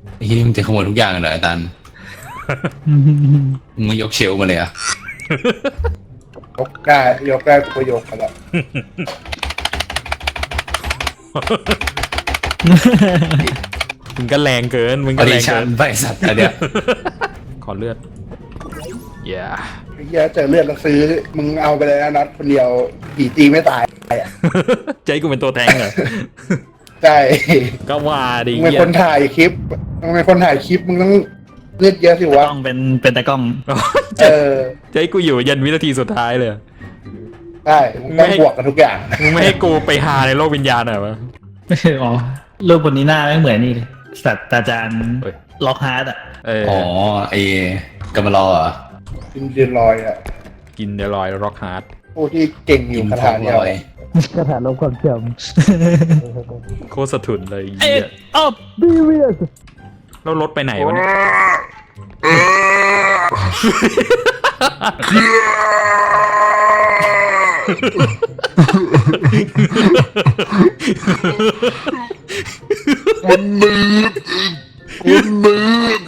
ไอ้ที่มึงจะขโมยทุกอย่างเหรอไอ้ตันมึงไม่ยกเชลฟ์มาเลยอะยกได้กูก็ยกไปแล้วมึงก็แรงเกิน มึงอก็อแรดิงชั่เกินนไปสัตว์อันเนี้ยขอเลือดอย่าไอ้เหี้ยเจอเลือดแล้วซื้อมึงเอาไปเลยนะนัดคนเดียวผีตีไม่ตายอ่ะใจกูเป็นตัวแทงเหรอใช่ก็ว่าดิมึงเป็นคนถ่ายคลิปมึงเป็นคนถ่ายคลิปมึงต้องเลือดเยอะสิวะต้องเป็นตากล้องเออใจกูอยู่ยันวินาทีสุดท้ายเลยใช่มึงต้องบวกกันทุกอย่างมึงไม่ให้กูไปหาในโลกวิญญาณเหรอวะอ๋อรูปบนนี้หน้าไม่เหมือนนี่เลยศาสตราจารย์เฮ้ยล็อกฮาร์ดอ่ะอ๋อไอ้กำมารอเหรอกินเดือนลอยอ่ะกินเดลอยร็อกฮาร์ดผู้ที่เก่งอกิยู่นคาท้อถาง เดียวลอยคาถาลบความจโคตรสะทุนเลยำเหี้ยอ๊อบบีเวียสแล้วรถไปไหนวะเนี่ยคนมืดคนมืด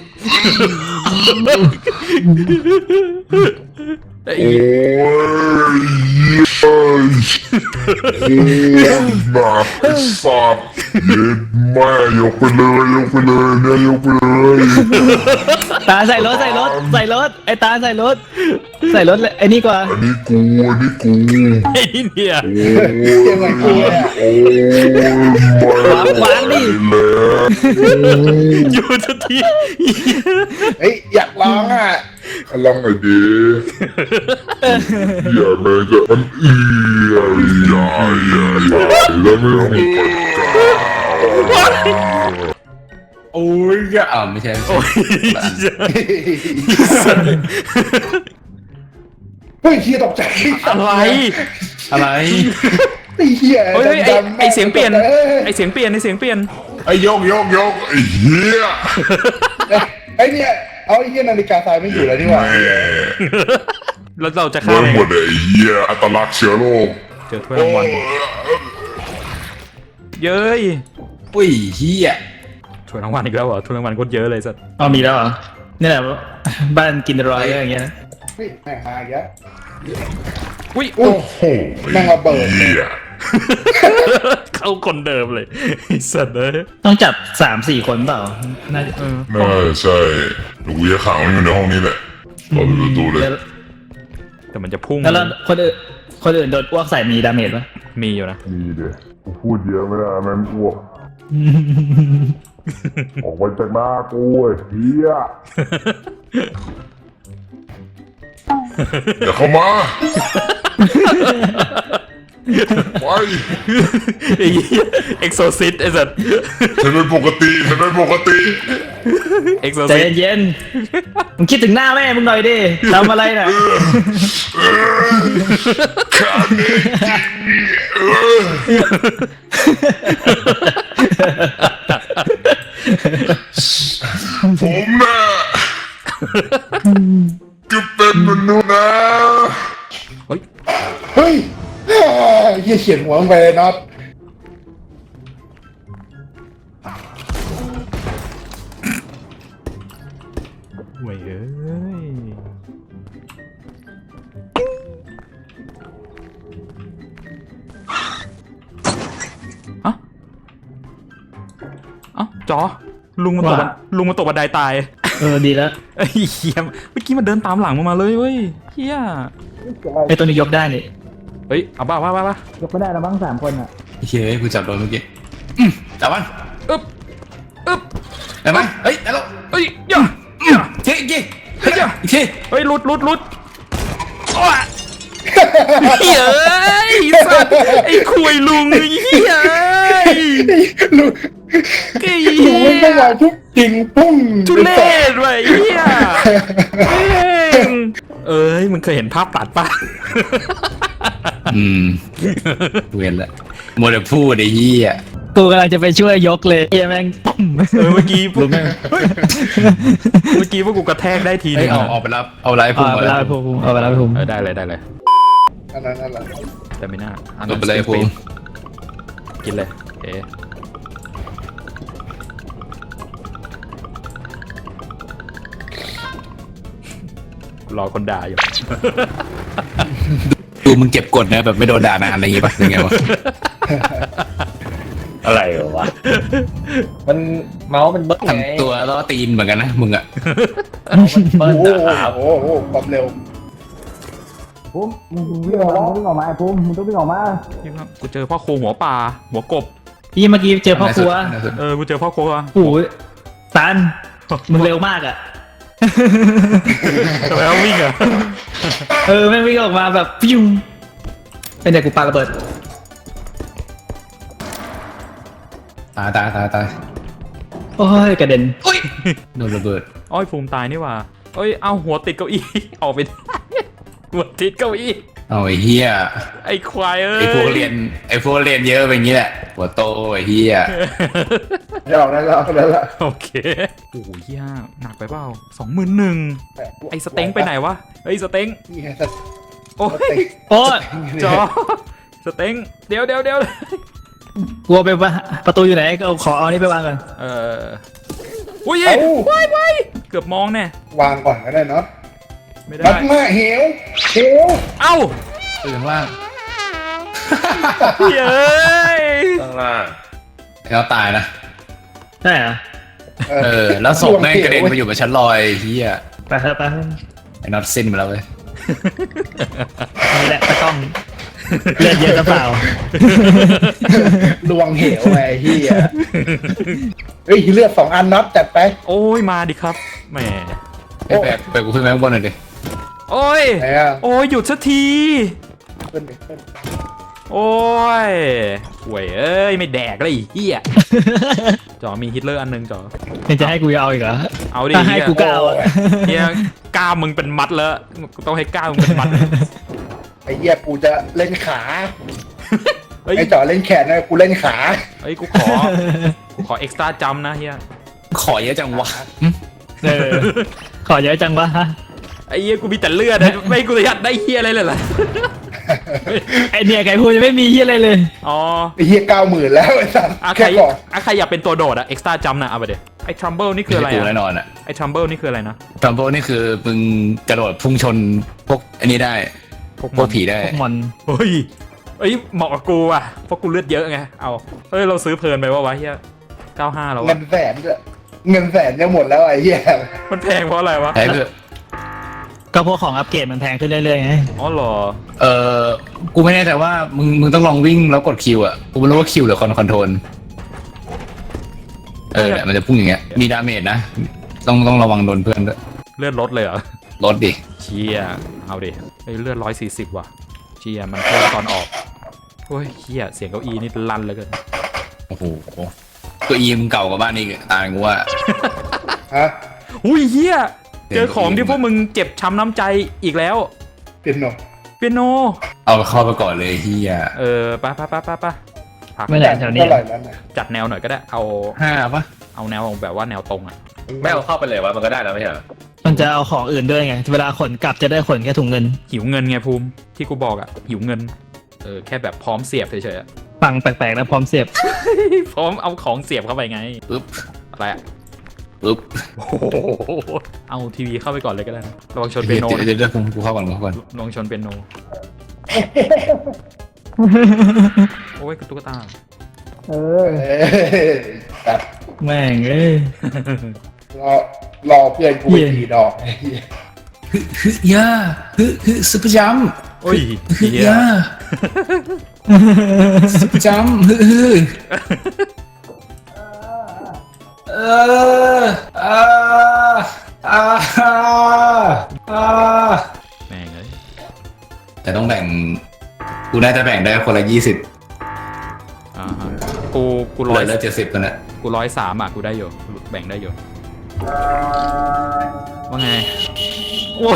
ไอ้โอ้เหี้ยยเย้ยหนักไอ้สัตว์เย็ดแม่ยกไปเลยยกไปเลยเนี่ยยกไปเลยตาใส่รถไอ้ตาใส่รถเลยไอ้นี่กว่าอันนี้กูอันนี้กูไอ้เนี่ยโอ้ยเก่งเหมือนกูเลยอะโอ้ยไม่วางดิแล้วอยู่ทันทีเฮ้ยอยากร้องอ่ะลองหน่อยดิอย่าแม่งจะมันอย่าแล้วไม่ต้องไปกาโอ้ยอ้าวไม่ใช่โอ้ยเฮ้ยเฮียตกใจอะไรอะไรไอ้เฮียเฮ้ยไอ้ดำๆไอ้เสียงเปลี่ยนอ้ไอ้เสียงเปลี่ยนไอ้เสียงเปลี่ยนไอ้ยกไอ้เหี้ยไอ้เนี่ยเอาไอ้เฮียนาฬิกาทรายไม่อยู่แล้วนี่หว่าแม่แล้วเราจะฆ่าเมื่อไงหมดไอ้เหี้ยอัตลักษณ์เชื้อโรคเจอถ้วยรางวัลเย้ยอุ้ยเฮียถ้วยรางวัลอีกแล้วเหรอถ้วยรางวัลโคตรเยอะเลยสัตว์อ๋อมีแล้วเหรอนี่แหละบ้านกินรอยอย่างเงี้ยเฮ้ยแม่งหายอีกแล้วอุ้ยอุ้ยโอ้โหแม่งระเบิดเหี้ยเข้าคนเดิมเลยไอ้สัตว์เลยต้องจับ3-4 คนเปล่าน่าจะน่าใช่หนูจะขังมันอยู่ในห้องนี้แหละเปิดประตูเลยแต่มันจะพุ่งแล้วคนอื่นโดนอ้วกใส่มีดาเมจปะมีอยู่นะมีเดี๋ยวกูพูดเยอะไม่ได้แม่งอ้วกออกไปจากหน้ากูไอ้เหี้ยอย่าเข้ามาไปไอ้เอ็กโซซิตไอ้สัตว์ฉันเป็นปกติเอ็กโซใจซิตเย็นๆมึงคิดถึงหน้าแม่มึงหน่อยดิทำอะไรน่ะผมน่ะก็เป็นมนุษย์นะเฮ้ยเฮ้ยเฮียเขียนหัวลงไปเลยน็อตเว้ยเอ้ยอะเอ้าจอลุงมันตกบันลุงมันตกบันไดตายดีแล้วไอ้เหี้ยเมื่อกี้มันเดินตามหลังมาเลยเว้ยเฮียไอ้ตัวนี้ยกได้นี่เฮ้ยเอาบ้ายกไม่ได้แล้วมั้ง3 คนอ่ะเฮ้ยกูจับโดนเมื่อกี้จับมันอึ๊บอึ๊บได้ไหมเฮ้ยได้แล้วเฮ้ยย่าเฮ้ยอีกทีเฮ้ยอีกทีเฮ้ยหลุดโอ้ยเฮ้ยสัตว์ไอ้คุยลุงไอ้เหี้ยลุงไอ้ลุงไม่ต้องมาทุบจริงปุ้งทุเรศว่ะไอ้เหี้ยเอ้ยมึงเคยเห็นภาพตัดป่ะเวียนละมัวแต่พูดไอ้เหี้ยกูกำลังจะไปช่วยยกเลยเฮียแม่งปุ้มเมื่อกี้พวกพวกกูกระแทกได้ทีเฮ้นึยงเอาไปรับเอาไลฟ์พุ่งเอามาไปแล้เล่าว ให้ผมเอาไปเล่าให้ผมได้เลยนั่นแหละแต่ไม่น่าเอาไปเลยพุ่งกินเลยเอ๊ะรอคนด่าอยู่ดูมึงเก็บกดนะแบบไม่โดนด่านานอะไรอย่างงี้ป่ะยังไงวะอะไรวะมันเมาส์มันเบิ้ลไงทำตัวแล้วก็ตีนเหมือนกันนะมึงอะเบิ้ลโอ้โหนะครับโอ้โหความเร็วภูมิมึงวิ่งออกมาภูมิมึงต้องวิ่งออกมานี่ครับกูเจอพ่อโคหัวป่าหัวกบพี่เมื่อกี้เจอพ่อครัวกูเจอพ่อโคอ่ะโอ้ยตันมึงเร็วมากอ่ะทำไมต้องวิ่งอ่ะแม่งวิ่งออกมาแบบฟิวเป็นเด็กกูปาระเบิดตายโอ้ยกระเด็นโดนระเบิดอ้อยภูมิตายนี่หว่าเอ้ยเอาหัวติดเก้าอี้ ออกไปได้หัวติดเก้าอี้เอาไอ้เฮียไอ้ควายเอ้ยไอ้พวกเรียนเยอะเป็นอย่างงี้แหละหัวโตไอ้เฮียไม่ออกแล้วละโอเคโอ้ยเหี้ยหนักไปเปล่า21,000ไอ้สเต็งไปไหนวะเฮ้ยสเต็งนี่ไงโอ้ยโอ้ยจอสเต็งเดี๋ยวกลัวไปว่าประตูอยู่ไหนก็ขอเอานี่ไปวางก่อนอุ้ยเอ้าว้ายเกือบมองแน่วางก่อนก็ได้เนาะไม่ได้นัดมาเหวเอ้าตื่นข้างล่างเย้ยข้างล่างแล้วตายนะใช่เหรอแล้วศพแม่งกระเด็นมาอยู่กับชั้นลอยไอ้เฮียไปเถอะไปเถอะไอ้น็อตสิ้นไปแล้วเว้ยนี่แหละตะกล้องเลือดเยอะหรือเปล่าลวงเหวไงเฮียเฮ้ยเลือด2 อันน็อตจัดไปโอ้ยมาดิครับแหมไปกูขึ้นไปข้างบนหน่อยดิโอ้ยไหนอ่ะโอ้ยหยุดสักทีขึ้นดิขึ้นโอ้ยห่วยเอ้ยไม่แดกเลยไอ้เหี้ยจอมีฮิตเลอร์อันนึงจอยังจะให้กูเอาอีกเหรอเอาดิถ้าให้กูก็เอาอะเฮียกล้ามมึงเป็นมัดแล้วกูต้องให้กล้ามมึงเป็นมัดไอ้เหี้ยกูจะเล่นขาเฮ้ยไอ้จ่อเล่นแขนนะกูเล่นขาเฮ้ยกูขอเอ็กซ์ตร้าจัมนะเฮียขอเยอะจังวะขอเยอะจังวะฮะไอ้เฮียกูมีแต่เลือดนะไม่กูจะยัดได้เฮียอะไรเลยล่ะไอเนี่ยไก่พูดยังไม่มีที่อะไรเลยอ๋อไอ้เหี้ย90,000แล้วไอ้สัสใครแค่ก่อนใครอยากเป็นตัวโดดอะเอ็กซ์ตร้าจัมนะเอาไปเดี๋ยวไอ้ทรัมเบิลนี่คืออะไรกูแน่อะนอนอะไอ้ทรัมเบิลนี่คืออะไรนะทรัมโบนี่คือมึงกระโดดพุ่งชนพวกอันนี้ได้พวกผีได้พวกมอนเฮ้ยเหมาะกับกูอ่ะเพราะกูเลือดเยอะไงเอาเฮ้ยเราซื้อเพลินไปวะเฮีย95แล้วเงิวะนแสนด้วยเงินแสนจะหมดแล้วไอ้เหี้ยมันแพงเพราะอะไรวะใช่เพื่อก็พวกของอัปเกรดมันแพงขึ้นเรื่อยๆไงอ๋อเหรอกูไม่แน่ใจว่ามึงต้องลองวิ่งแล้วกดคิวอะกูไม่รู้ว่าคิวหรือคอนโทรลเนี่ยมันจะพุ่งอย่างเงี้ยมีดาเมจนะต้องระวังโดนเพื่อนด้วยเลือดลดเลยเหรอลดดิเชียเอาดิเฮ้ยเลือด140ว่ะเชียมันเพิ่มตอนออกโอ้ยเฮียเสียงเก้าอี้นี่ลั่นเหลยเกินโอ้โหตัวอีมเก่ากว่าบ้านนี่ตายกูว่าฮะอุ้ยเฮียเจอของที่พวกมึงเจ็บช้ำน้ำใจอีกแล้วเปียโนเปียโนเอาเข้าไปก่อนเลยเฮียไปพักไม่ไหนแถวนี้เท่าไหร่แล้วนะจัดแนวหน่อยก็ได้เอา 5 ปะเอาแนวแบบว่าแนวตรงอ่ะไม่เอาเข้าไปเลยวะมันก็ได้แล้วไม่ใช่เหรอมันจะเอาของอื่นด้วยไง เวลาขนกลับจะได้ขนแค่ถุงเงินหิวเงินไงภูมิที่กูบอกอ่ะหิวเงินแค่แบบพร้อมเสียบเฉยๆอะฟังแปลกๆนะพร้อมเสียบพร้อมเอาของเสียบเข้าไปไงปึ๊บอะไรอ่ะปึ๊บโอ้โหเอาทีวีเข้าไปก่อนเลยก็ได้นะระวังชนเปียโนนะเดี๋ยวกูเข้าก่อนระวังชนเปียโนโอ้ยตุ๊กตาเอ้ยแบบแม่งเอ้ยรอเพื่อนกูไปทีดอกไอ้เหี้ยย่าซุปเปอร์จัมโอ้ยย่าซุปเปอร์จัมเออแม่งเลยแต่ต้องแบ่งกูน่าจะแบ่งได้คนละ20 กูเหร้อยลือ70กันนะกู103อ่ะกูได้อยู่แบ่งได้อยู่ว่าไงโอ้ย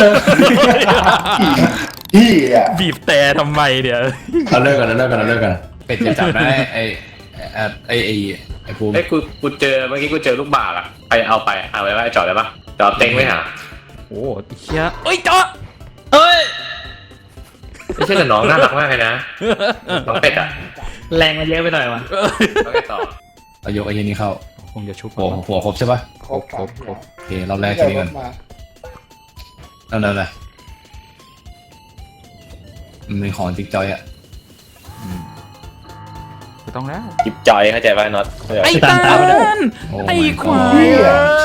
พี่อ่ะบีบแต่ทำไมเดี๋ยวเราเลิกกันเป็ดจะจับได้ไอ้ภูมิเอ้ยกูเจอเมื่อกี้กูเจอลูกบาศก์อะไปเอาไว้จอดได้ปะจอดเต็งไว้หาโอ้เฮียเอ้ยจอเอ้ยไม่ใช่แต่น้องน่ารักมากเลยนะน้องเป็ดอะแรงมันเยอะไปหน่อยวะแล้วไงต่อเอายกไอ้ยี่นี้เข้าคงจะชุบหัวครบใช่ปะครบโอเครอบแรกทีนี้ก่อนมานั่นมันเป็นของจิ๊กจอยอ่ะไม่ต้องแล้วจิบจอยเข้าใจป่ะน็อตเข้าใจไอ้ปะตาลโอ้ไอ้ my ควาย god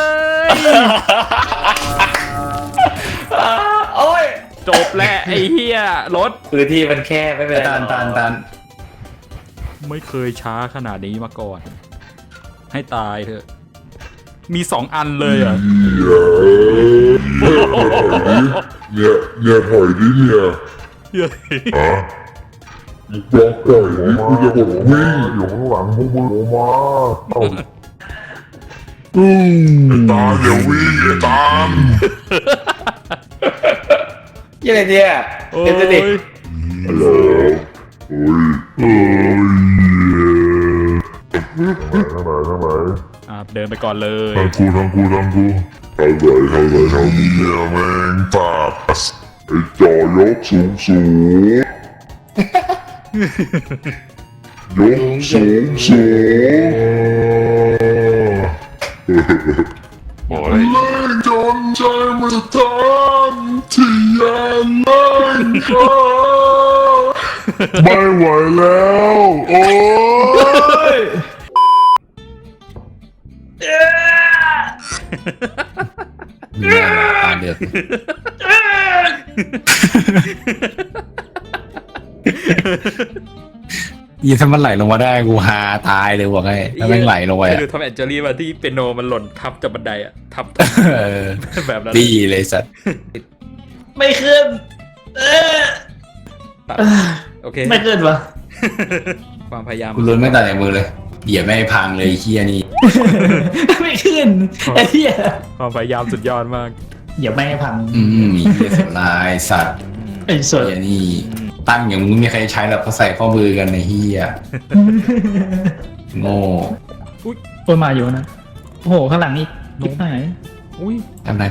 โอ้ยจบแล้วไอ้เหี้ยรถพื้นที่มันแค่ไม่เป็นไรตาลไม่เคยช้าขนาดนี้มาก่อน ให้ตายเถอะ มี2 อันเลยอ่ะเนี่ยถอยดิเนี่ยบอกปล่อยดิกูจะกดวิ่งอยู่ข้างหลังพวกมึงออกมาไอ้ตาอย่าวิ่งไอ้ตามยังไงเนี่ยโอ้เดี๋ยวจะดิยฮัลโหลโอ้ยทางไหนเดินไปก่อนเลยทางกูอะไรเนี่ยแม่งปากไอ้จอยกสูงยกสูงเล่นจนใจมันทำที่ยังไม่เข้าไม่ไหวแล้วโอ้ยตาเดือดยี่ถ้ามันไหลลงมาได้กูฮาตายเลยบอกให้ถ้าแม่งไหลลงไปดูทอมแอนเจอรี่มาที่เปียโนมันหล่นทับจากบันไดอะทับ แบบนั้นดีเลยสัตว์ไม่ขึ้นตัดโอเคไม่ขึ้นวะความพยายามกูลุ้นไม่ตัดในมือเลยเหยียบไม่ให้พังเลยเฮียนี่ไม่ขึ้นไอ้เหี้ยความพยายามสุดยอดมากอย่าไม่ให้พังมีเฮียเสียลายสัตว์ไอ้ส่วนเฮียนี่ตั้งอย่างมึงไม่มีใครใช้หรอกเขาใส่ข้อมือกันในเฮียโง่โอ้ยมาอยู่นะโอ้โหข้างหลังอีกนิดหน่อยอุ้ยทำไร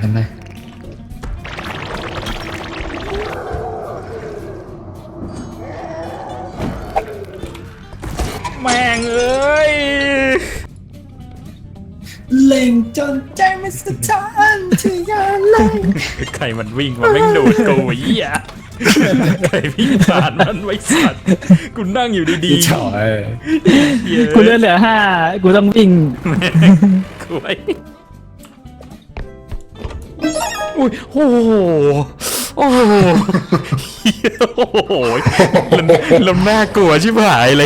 แม่งเอ้ยเล่งจนใจไม่สะท้านที่ยาเล่งใครมันวิ่งมาแม่งโดดกูไอ้เหี้ยใครวิ่งผ่านมันไว้สัตว์กูนั่งอยู่ดีพี่ชอยๆเหี้ยกูเลือดเหลือ5กูต้องวิ่งกูไอ้อุ้ยโอ้โหโอ้โหเหี้ยโอ้โหลำหน้ากลัวชิบหายเลย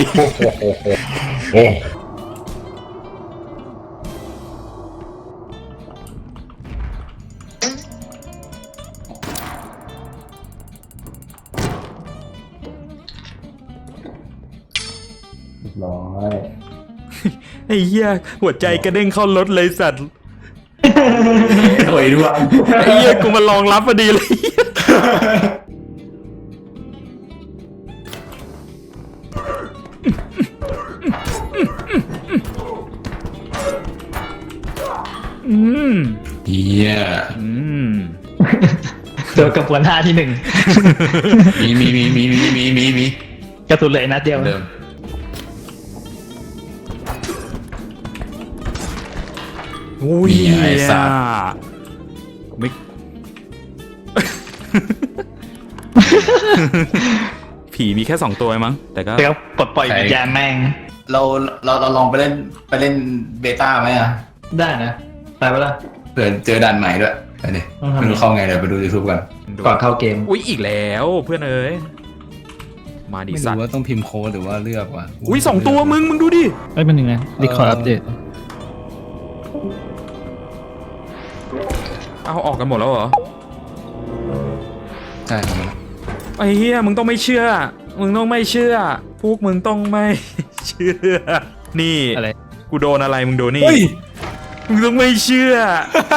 ร้อยไอ้เหี้ยหัวใจกระเด้งเข้ารถเลยสัตว์โอยด้วยไอ้เหี้ยกูมาลองรับพอดีเลย อืมเฮียอืมโดนกระบวนท่าที่มี 1กระสุนเหลยนัดเดียวเดิมอุ้ยมีไอ้สัตว์ไม่ ผีมีแค่2 ตัวมั้งแต่ก็เดี๋ยวปลดปล่อยวิญญาณแม่งเราลองไปเล่นเบต้าไหมอ่ะได้นะไปปะล่ะเผื่อเจอด่านใหม่ด้วยไปดิต้องทำไม่รู้เข้าไงเดี๋ยวไปดูยูทูบกันก่อนเข้าเกมอุ้ยอีกแล้วเพื่อนเอ้ยมาดิไม่สัตรู้ว์ว่าต้องพิมพ์โค้ดหรือว่าเลือกว่ะอุ้ย2 ตัวมึงดูดิเอ้ยมันหนึ่งนะรีคอร์ดอัปเดตเอาออกกันหมดแล้วเหรอใช่ครับไอ้เหี้ยมึงต้องไม่เชื่อ มึงต้องไม่เชื่อ พวกมึงต้องไม่เชื่อ นี่อะไรกูโดนอะไรมึงโดนนี่เฮ้ยมึงต้องไม่เชื่อ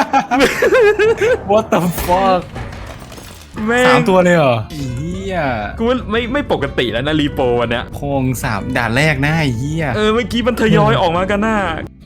what the fuck แม่ง 3 ตัวเลยเหรอเฮียกูว่าไม่ปกติแล้วนะรีโปวันเนี้ยโคง3ด่านแรกนะไอ้เฮียเมื่อกี้มันทยอยออกมากันน่ะ